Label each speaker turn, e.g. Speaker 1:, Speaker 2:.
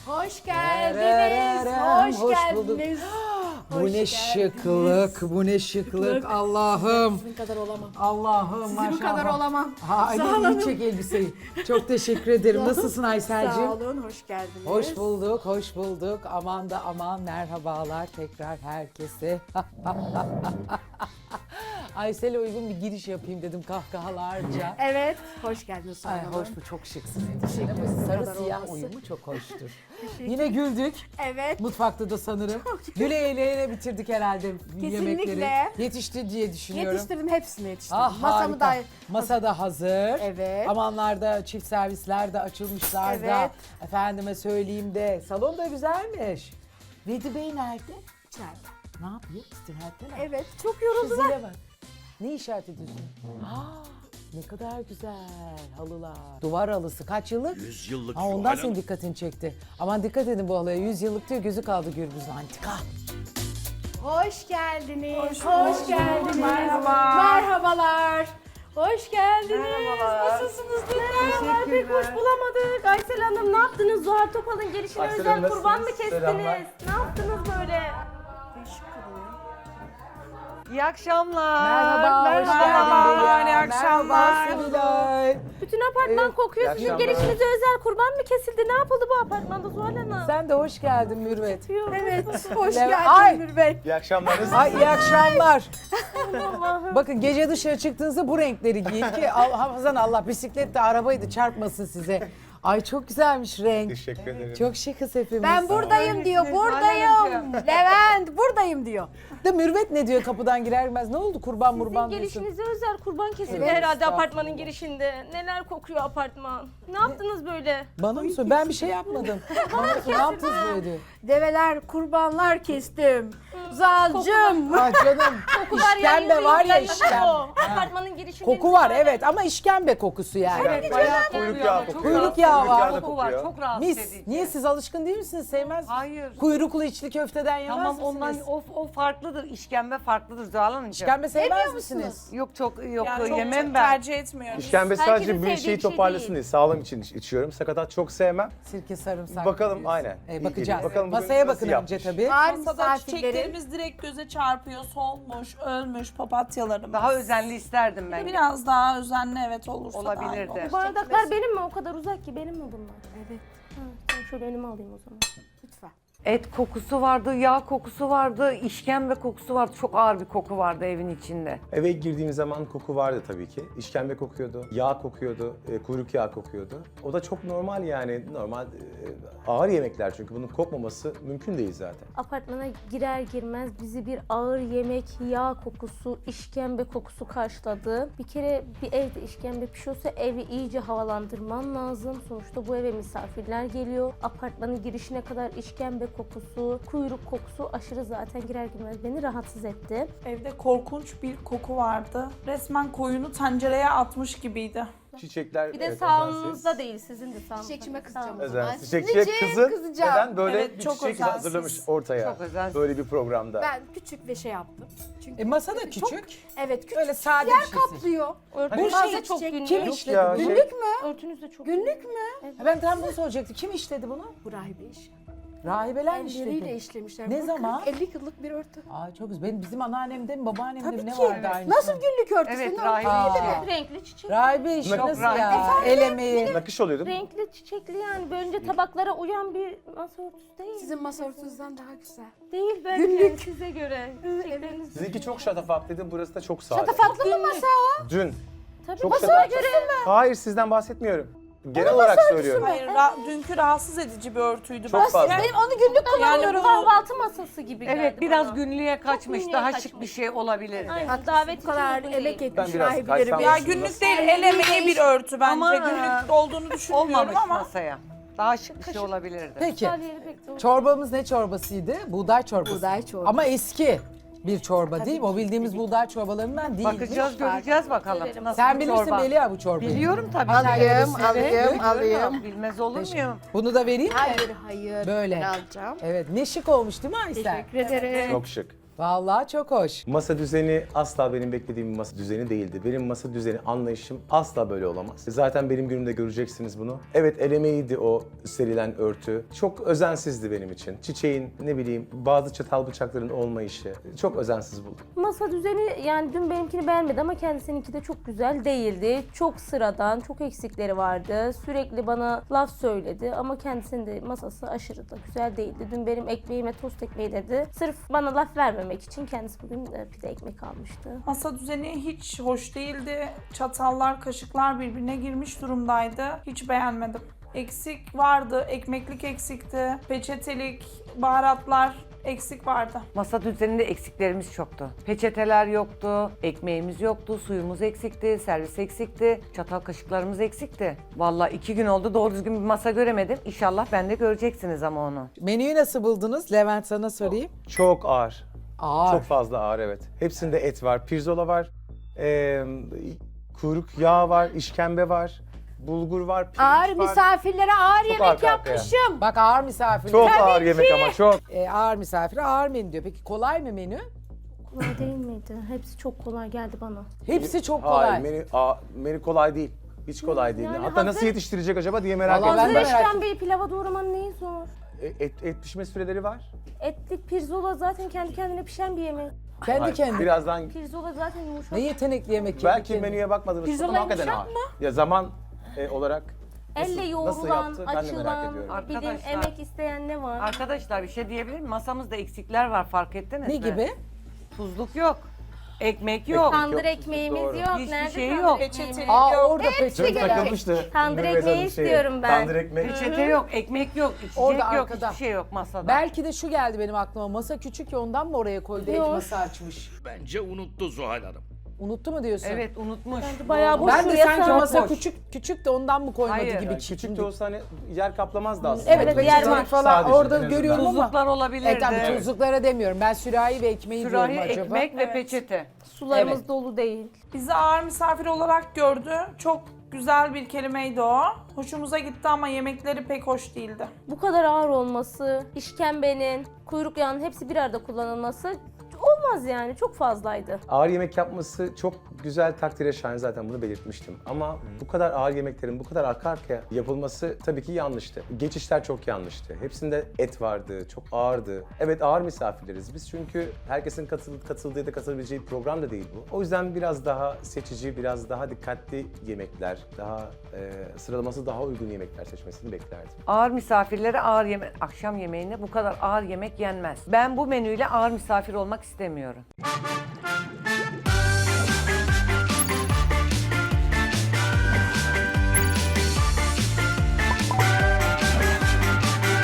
Speaker 1: Hoş geldiniz. Hoş
Speaker 2: bulduk.
Speaker 1: geldiniz.
Speaker 2: Bu ne şıklık, bu ne şıklık. Allah'ım.
Speaker 1: Sizin kadar olamam.
Speaker 2: Allah'ım
Speaker 1: Sizin
Speaker 2: maşallah.
Speaker 1: kadar olamam.
Speaker 2: Aynen çek elbiseyi. Çok teşekkür ederim. Nasılsın Aysel'cim?
Speaker 1: Sağ olun, hoş geldiniz.
Speaker 2: Hoş bulduk, hoş bulduk. Aman da aman merhabalar tekrar herkese. Aysel'e uygun bir giriş yapayım dedim kahkahalarca.
Speaker 1: Evet, hoş geldiniz.
Speaker 2: Ay,
Speaker 1: Hanım.
Speaker 2: hoş bu çok şıksın.
Speaker 1: Teşekkür
Speaker 2: Bu
Speaker 1: ederim.
Speaker 2: sarı
Speaker 1: Kadar
Speaker 2: siyah
Speaker 1: olması.
Speaker 2: uyumu çok hoştur. Yine güldük.
Speaker 1: Evet.
Speaker 2: Mutfakta da sanırım. Güle eğleye bitirdik herhalde yemekleri.
Speaker 1: Kesinlikle.
Speaker 2: Yetişti diye düşünüyorum.
Speaker 1: Yetiştirdim, hepsini yetiştirdim.
Speaker 2: Ah
Speaker 1: Masamı
Speaker 2: harika.
Speaker 1: da...
Speaker 2: Masa da hazır.
Speaker 1: Evet.
Speaker 2: Amanlarda çift servisler de açılmışlar da.
Speaker 1: Evet.
Speaker 2: Efendime söyleyeyim de. Salon da güzelmiş. Vedi Bey nerede?
Speaker 1: İçeride.
Speaker 2: Ne yapıyor? İstirahatte mi?
Speaker 1: Evet, çok
Speaker 2: Şu
Speaker 1: yoruldular.
Speaker 2: zile bak. Ne işaret ediyorsun? Ne kadar güzel halılar. Duvar halısı kaç yıllık?
Speaker 3: 100 yıllık
Speaker 2: Ha, ondan
Speaker 3: Zuhal
Speaker 2: senin
Speaker 3: Hanım.
Speaker 2: dikkatini çekti. Aman dikkat edin bu halıya. 100 yıllık diyor gözü kaldı gürbüzün antika.
Speaker 1: Hoş geldiniz. Hoş geldiniz.
Speaker 4: Merhaba.
Speaker 1: Merhabalar. Hoş geldiniz.
Speaker 4: Merhabalar.
Speaker 1: Nasılsınız? Merhabalar. Pek hoş bulamadık. Aysel Hanım ne yaptınız? Zuhal Topal'ın gelişine
Speaker 4: Aysel
Speaker 1: özel
Speaker 4: Hanım,
Speaker 1: kurban mı
Speaker 4: nasılsınız?
Speaker 1: kestiniz?
Speaker 4: Selamlar.
Speaker 1: Ne yaptınız böyle?
Speaker 4: İyi akşamlar.
Speaker 2: Merhaba, hoş
Speaker 4: Merhabalar,
Speaker 2: geldin.
Speaker 4: iyi akşamlar.
Speaker 2: Merhaba Sevilay.
Speaker 1: Bütün apartman kokuyor.
Speaker 4: iyi
Speaker 1: Sizin
Speaker 4: akşamlar.
Speaker 1: gelişinize özel kurban mı kesildi? Ne yapıldı bu apartmanda Zuhal Hanım?
Speaker 2: Sen de hoş geldin Mürvet.
Speaker 1: Evet, hoş
Speaker 2: Leve-
Speaker 1: geldin
Speaker 2: Ay!
Speaker 1: Mürvet.
Speaker 4: İyi akşamlar.
Speaker 2: Ay iyi akşamlar. Bakın gece dışarı çıktığınızda bu renkleri giyin ki hafızan Allah bisiklet de arabaydı çarpmasın size. Ay çok güzelmiş renk.
Speaker 4: Teşekkür ederim.
Speaker 2: Çok şıkız hepimiz.
Speaker 1: Ben buradayım diyor, buradayım. Levent, buradayım diyor.
Speaker 2: De Mürvet ne diyor kapıdan girer girmez? Ne oldu kurban
Speaker 5: Sizin
Speaker 2: murban diyorsun?
Speaker 5: gelişinize özel kurban kesildi
Speaker 2: Evet,
Speaker 5: herhalde
Speaker 2: estağfurullah.
Speaker 5: apartmanın girişinde. Neler kokuyor apartman. Ne yaptınız böyle?
Speaker 2: Bana mı sor? Ben bir şey yapmadım. Bana sor, ne yaptınız böyle?
Speaker 1: Develer, kurbanlar kestim. Zalcım.
Speaker 2: Ah canım.
Speaker 5: Kokular
Speaker 2: İşkembe var ya işkembe.
Speaker 5: Apartmanın girişinde.
Speaker 2: Koku var evet ama işkembe kokusu yani.
Speaker 4: Evet, bayağı kuyruk yağı kokuyor.
Speaker 2: Kuyruk yağı var.
Speaker 4: da
Speaker 6: Koku var,
Speaker 4: kokuyor.
Speaker 6: çok rahatsız
Speaker 2: Mis.
Speaker 6: edici.
Speaker 2: Niye siz alışkın değil misiniz? Sevmez.
Speaker 6: Hayır.
Speaker 2: Kuyruklu içli köfteden yemez
Speaker 6: Tamam
Speaker 2: misiniz?
Speaker 6: ondan o farklıdır. İşkembe farklıdır Zuhal Hanımcığım.
Speaker 2: İşkembe sevmez misiniz?
Speaker 6: Yok çok yok
Speaker 7: Yani çok
Speaker 6: yemem ben.
Speaker 7: tercih etmiyorum.
Speaker 4: İşkembe
Speaker 5: Herkesin
Speaker 4: sadece
Speaker 5: sevdiği
Speaker 4: bir
Speaker 5: bir
Speaker 4: şeyi
Speaker 5: şey
Speaker 4: toparlasın
Speaker 5: değil.
Speaker 4: diye sağlam için içiyorum. Sakatat çok sevmem.
Speaker 2: Sirke sarımsak.
Speaker 4: Bakalım,
Speaker 2: diyorsun.
Speaker 4: aynen. İyi
Speaker 2: Bakacağız.
Speaker 4: geliyor. Bakalım bugün
Speaker 2: Masaya
Speaker 4: nasıl
Speaker 2: bakın önce
Speaker 4: yapmış?
Speaker 2: tabii.
Speaker 1: Var
Speaker 7: Masada
Speaker 1: misafirlerin.
Speaker 7: çiçeklerimiz direkt göze çarpıyor. Solmuş, ölmüş papatyalarımız.
Speaker 6: Daha özenli isterdim ben.
Speaker 7: Biraz daha özenli evet olursa
Speaker 6: Olabilirdi.
Speaker 7: daha iyi olur.
Speaker 5: Bu bardaklar benim mi? O kadar uzak ki benim mi bunlar?
Speaker 1: Evet,
Speaker 5: Ha, ben şöyle önüme alayım o zaman.
Speaker 1: lütfen.
Speaker 6: Et kokusu vardı, yağ kokusu vardı, işkembe kokusu vardı. Çok ağır bir koku vardı evin içinde.
Speaker 4: Eve girdiğim zaman koku vardı tabii ki. İşkembe kokuyordu, yağ kokuyordu, kuyruk yağı kokuyordu. O da çok normal yani. Normal ağır yemekler çünkü bunun kokmaması mümkün değil zaten.
Speaker 5: Apartmana girer girmez bizi bir ağır yemek, yağ kokusu, işkembe kokusu karşıladı. Bir kere bir evde işkembe pişiyorsa evi iyice havalandırman lazım. Sonuçta bu eve misafirler geliyor. Apartmanın girişine kadar işkembe kokusu, kuyruk kokusu aşırı zaten girer girmez beni rahatsız etti.
Speaker 7: Evde korkunç bir koku vardı. Resmen koyunu tencereye atmış gibiydi.
Speaker 4: Çiçekler
Speaker 5: Bir de
Speaker 4: evet,
Speaker 5: sağınızda
Speaker 4: özensiz.
Speaker 5: değil, sizin de sağınızda.
Speaker 1: Çiçekçime kızacağım o
Speaker 5: Sağınızda.
Speaker 1: zaman.
Speaker 4: Özensiz.
Speaker 1: Niçin
Speaker 4: Çiçekçiye kızın
Speaker 1: kızacağım?
Speaker 4: neden böyle
Speaker 7: Evet,
Speaker 4: bir
Speaker 7: çok
Speaker 4: çiçek
Speaker 7: özensiz.
Speaker 4: hazırlamış ortaya.
Speaker 6: Çok özensiz.
Speaker 4: Böyle bir programda.
Speaker 1: Ben küçük bir şey yaptım. Çünkü
Speaker 2: Masa da
Speaker 1: çok-
Speaker 2: küçük.
Speaker 1: Evet, küçük.
Speaker 2: Öyle sade
Speaker 1: yer
Speaker 2: bir şeysin.
Speaker 1: kaplıyor.
Speaker 5: Örtünüz
Speaker 1: Hani
Speaker 5: de çok
Speaker 1: çiçek-
Speaker 5: günlük.
Speaker 2: Kim
Speaker 4: Yok
Speaker 2: işledi
Speaker 4: ya,
Speaker 2: bunu?
Speaker 4: şey-
Speaker 1: Günlük mü?
Speaker 5: Örtünüz de çok
Speaker 1: Günlük mü?
Speaker 2: Ben tam bunu soracaktım. Kim işledi bunu?
Speaker 1: Bu rahibe iş.
Speaker 2: Rahibeler mi
Speaker 1: Elleriyle
Speaker 2: işledi?
Speaker 1: işlemişler.
Speaker 2: Ne
Speaker 1: Bu
Speaker 2: zaman?
Speaker 1: 50 yıllık bir örtü.
Speaker 2: Ay çok güzel. Bizim anneannemde mi babaannemde mi
Speaker 1: Tabii
Speaker 2: ne
Speaker 1: ki.
Speaker 2: vardı aynısı?
Speaker 1: Nasıl günlük örtüsü?
Speaker 6: Evet,
Speaker 1: Ne
Speaker 6: rahibe
Speaker 1: örtü?
Speaker 6: işi.
Speaker 2: Aa.
Speaker 5: renkli çiçek.
Speaker 2: Rahibe işi
Speaker 4: Çok
Speaker 2: nasıl
Speaker 6: rahibe.
Speaker 2: ya? El emeği.
Speaker 4: Nakış oluyordu.
Speaker 5: Renkli çiçekli yani önce tabaklara uyan bir masa örtüsü değil.
Speaker 1: Sizin masa örtünüzden daha güzel.
Speaker 5: Değil belki
Speaker 1: Günlük.
Speaker 5: size göre. Çiçekleriniz
Speaker 4: Sizinki çok şatafatlıydı, burası da çok sade.
Speaker 1: Şatafatlı mı masa o?
Speaker 4: Dün.
Speaker 5: tabii
Speaker 4: Çok
Speaker 5: masaya
Speaker 4: şatafatlı.
Speaker 5: göre.
Speaker 4: Hayır sizden bahsetmiyorum. Genel olarak söylüyorum.
Speaker 7: Hayır, dünkü rahatsız edici bir örtüydü.
Speaker 4: Çok fazla.
Speaker 1: Benim onu günlük
Speaker 5: Yani
Speaker 1: kullanıyorum.
Speaker 5: kahvaltı masası gibi geldi
Speaker 6: Evet biraz
Speaker 5: bana.
Speaker 6: günlüğe kaçmış.
Speaker 5: günlüğe
Speaker 6: Daha
Speaker 5: kaçmış.
Speaker 6: şık bir şey olabilirdi.
Speaker 5: Aynen davet
Speaker 1: Bu kadar
Speaker 5: için uygun
Speaker 1: emek
Speaker 5: değil.
Speaker 1: etmiş
Speaker 4: Ben biraz
Speaker 1: rahibelerime.
Speaker 4: kaysam-
Speaker 7: Ya günlük değil, el emeği bir örtü bence.
Speaker 6: Ama,
Speaker 7: Günlük olduğunu düşünmüyorum
Speaker 6: Olmamış
Speaker 7: ama.
Speaker 6: masaya. Daha şık bir şey olabilirdi.
Speaker 2: Peki.
Speaker 5: Güzel yeri pek de-
Speaker 2: Çorbamız ne çorbasıydı? Buğday çorbası.
Speaker 1: Buğday çorbası.
Speaker 2: Ama eski bir çorba değil mi? O bildiğimiz buğday çorbalarından değil.
Speaker 6: Bakacağız göreceğiz bakalım. Nasıl
Speaker 2: Sen
Speaker 6: bir
Speaker 2: bilirsin
Speaker 6: çorba.
Speaker 2: Melia bu çorbayı.
Speaker 6: Biliyorum tabii.
Speaker 1: Alayım.
Speaker 6: Bilmez olur muyum?
Speaker 2: Bunu da vereyim mi?
Speaker 1: Hayır, hayır.
Speaker 2: Böyle.
Speaker 1: Ben alacağım.
Speaker 2: Evet ne şık olmuş değil mi Aysel?
Speaker 1: Teşekkür ederim.
Speaker 4: Çok şık.
Speaker 2: Vallahi çok hoş.
Speaker 4: Masa düzeni asla benim beklediğim bir masa düzeni değildi. Benim masa düzeni anlayışım asla böyle olamaz. Zaten benim günümde göreceksiniz bunu. Evet, el emeğiydi o serilen örtü. Çok özensizdi benim için. Çiçeğin, ne bileyim, bazı çatal bıçakların olmayışı çok özensiz buldum.
Speaker 5: Masa düzeni yani dün benimkini beğenmedi ama kendisininki de çok güzel değildi. Çok sıradan, çok eksikleri vardı. Sürekli bana laf söyledi ama kendisinin de masası aşırı da güzel değildi. Dün benim ekmeğime tost ekmeği dedi. Sırf bana laf vermemek için kendisi bugün pide ekmek almıştı.
Speaker 7: Masa düzeni hiç hoş değildi. Çatallar, kaşıklar birbirine girmiş durumdaydı. Hiç beğenmedim. Eksik vardı, ekmeklik eksikti, peçetelik, baharatlar eksik vardı.
Speaker 6: Masa düzeninde eksiklerimiz çoktu. Peçeteler yoktu, ekmeğimiz yoktu, suyumuz eksikti, servis eksikti, çatal kaşıklarımız eksikti. Vallahi 2 gün oldu doğru düzgün bir masa göremedim. İnşallah ben de göreceksiniz ama onu.
Speaker 2: Menüyü nasıl buldunuz? Levent sana sorayım.
Speaker 4: Çok ağır.
Speaker 2: Ağır.
Speaker 4: Çok fazla ağır, evet. Hepsinde et var, pirzola var, kuyruk yağı var, işkembe var, bulgur var, pirinç
Speaker 1: Ağır
Speaker 4: var.
Speaker 1: misafirlere ağır
Speaker 4: Çok
Speaker 1: yemek
Speaker 4: arka arkaya.
Speaker 1: yapmışım.
Speaker 2: Bak ağır misafir.
Speaker 4: Çok ağır yemek ama çok.
Speaker 2: Ağır misafire ağır menü diyor. Peki kolay mı menü?
Speaker 5: Kolay değil miydi? Hepsi çok kolay geldi bana.
Speaker 2: Hepsi çok kolay.
Speaker 4: Hayır, menü kolay değil. Hiç kolay değil.
Speaker 5: Yani
Speaker 4: Hatta nasıl
Speaker 5: hazır-
Speaker 4: yetiştirecek acaba diye merak
Speaker 2: Vallahi ben
Speaker 4: ediyorum.
Speaker 2: de
Speaker 5: Hazır
Speaker 2: merak
Speaker 5: işkembeyi pilava doğramanın neyi zor?
Speaker 4: Et pişme süreleri var.
Speaker 5: Etlik pirzola zaten kendi kendine pişen bir yemek.
Speaker 2: Kendi
Speaker 4: Hayır,
Speaker 2: kendine.
Speaker 4: birazdan
Speaker 5: Pirzola zaten yumuşak.
Speaker 2: Ne yetenekli yemek kendi
Speaker 4: belki
Speaker 2: kendine.
Speaker 4: menüye bakmadığınız
Speaker 1: Pirzola
Speaker 4: zaman hakikaten
Speaker 1: yumuşak
Speaker 4: ağır. Ya zaman olarak
Speaker 5: Elle
Speaker 4: nasıl
Speaker 5: yoğrulan,
Speaker 4: yaptı ben de merak
Speaker 5: açılan,
Speaker 4: ediyorum.
Speaker 5: bir de
Speaker 6: Arkadaşlar-
Speaker 5: emek isteyen ne var?
Speaker 6: Arkadaşlar bir şey diyebilir miyim? Masamızda eksikler var, fark ettiniz
Speaker 2: Ne
Speaker 6: mi?
Speaker 2: gibi?
Speaker 6: Tuzluk yok, ekmek yok.
Speaker 5: Tandır
Speaker 4: yok,
Speaker 5: ekmeğimiz
Speaker 4: doğru.
Speaker 5: yok.
Speaker 6: Hiçbir
Speaker 5: Nerede
Speaker 6: şey
Speaker 5: tandır
Speaker 6: yok.
Speaker 5: ekmeğimiz?
Speaker 7: Peçete-
Speaker 2: Aa orada
Speaker 4: Canım
Speaker 2: peçete.
Speaker 4: takılmıştı.
Speaker 5: Tandır
Speaker 4: Mehmet
Speaker 5: ekmeği
Speaker 4: Hanım
Speaker 5: istiyorum ben.
Speaker 4: Tandır ekmek.
Speaker 6: Peçete yok, ekmek yok, içecek
Speaker 2: Orada
Speaker 6: yok,
Speaker 2: arkada.
Speaker 6: hiçbir şey yok masada.
Speaker 2: Belki de şu geldi benim aklıma. Masa küçük ya ondan mı oraya koydu? Et
Speaker 5: Yok.
Speaker 2: masa açmış.
Speaker 3: Bence unuttu Zuhal Hanım.
Speaker 2: Unuttu mu diyorsun?
Speaker 6: Evet, unutmuş.
Speaker 5: bayağı boş.
Speaker 2: Ben de
Speaker 5: Şuraya
Speaker 2: sanki
Speaker 5: sağ-
Speaker 2: masa
Speaker 6: boş.
Speaker 2: küçük de ondan mı koymadı
Speaker 6: Hayır,
Speaker 2: gibi.
Speaker 4: Yani küçük de olsa hani yer kaplamazdı aslında.
Speaker 2: Evet,
Speaker 5: Evet, yer
Speaker 2: peçetelik
Speaker 5: var.
Speaker 2: falan
Speaker 4: Sadece
Speaker 2: orada
Speaker 4: en azından.
Speaker 2: görüyorum ama.
Speaker 6: Tuzluklar olabilirdi.
Speaker 2: Tabii tuzluklara demiyorum. Ben sürahi ve ekmeği
Speaker 6: Sürahi,
Speaker 2: diyorum acaba.
Speaker 6: ekmek ve peçete.
Speaker 5: Sularımız
Speaker 2: Evet.
Speaker 5: dolu değil.
Speaker 7: Bizi ağır misafir olarak gördü. Çok güzel bir kelimeydi o. Hoşumuza gitti ama yemekleri pek hoş değildi.
Speaker 5: Bu kadar ağır olması, işkembenin, kuyruk yağının hepsi bir arada kullanılması olmaz yani. Çok fazlaydı.
Speaker 4: Ağır yemek yapması çok güzel, takdire şayan, zaten bunu belirtmiştim. Ama bu kadar ağır yemeklerin bu kadar arka arkaya yapılması tabii ki yanlıştı. Geçişler çok yanlıştı. Hepsinde et vardı, çok ağırdı. Evet, ağır misafirleriz biz çünkü herkesin katıldığı ya da katılabileceği bir program da değil bu. O yüzden biraz daha seçici, biraz daha dikkatli yemekler, daha sıralaması daha uygun yemekler seçmesini beklerdim.
Speaker 6: Ağır misafirlere ağır yemek, akşam yemeğinde bu kadar ağır yemek yenmez. Ben bu menüyle ağır misafir olmak istemiyorum.